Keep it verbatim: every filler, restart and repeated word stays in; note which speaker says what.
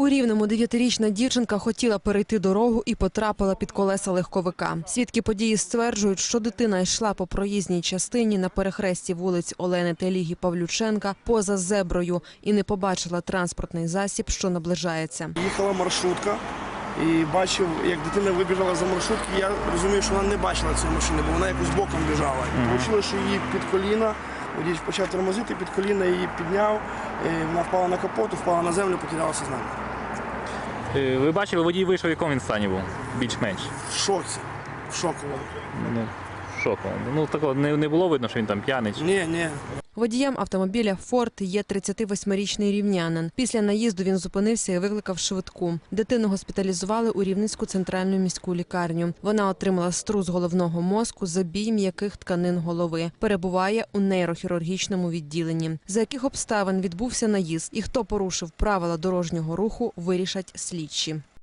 Speaker 1: У Рівному дев'ятирічна дівчинка хотіла перейти дорогу і потрапила під колеса легковика. Свідки події стверджують, що дитина йшла по проїзній частині на перехресті вулиць Олени Теліги Павлюченка поза зеброю і не побачила транспортний засіб, що наближається.
Speaker 2: Їхала маршрутка і бачив, як дитина вибіжала за маршрутки. Я розумію, що вона не бачила цієї машини, бо вона якось боком біжала. І вийшло, що її під коліна, водій почав тормозити, під коліна її підняв, вона впала на капот, впала на землю, покидала сознання.
Speaker 3: Ви бачили, водій вийшов, в якому він стані був? Більш-менш?
Speaker 2: В шоці. В шоку.
Speaker 3: Ну, в шоку. Ну, такого не, не було видно, що він там п'яний?
Speaker 2: Ні, ні.
Speaker 1: Водієм автомобіля «Форд» є тридцятивосьмирічний рівнянин. Після наїзду він зупинився і викликав швидку. Дитину госпіталізували у Рівненську центральну міську лікарню. Вона отримала струс головного мозку, забій м'яких тканин голови. Перебуває у нейрохірургічному відділенні. За яких обставин відбувся наїзд і хто порушив правила дорожнього руху, вирішать слідчі.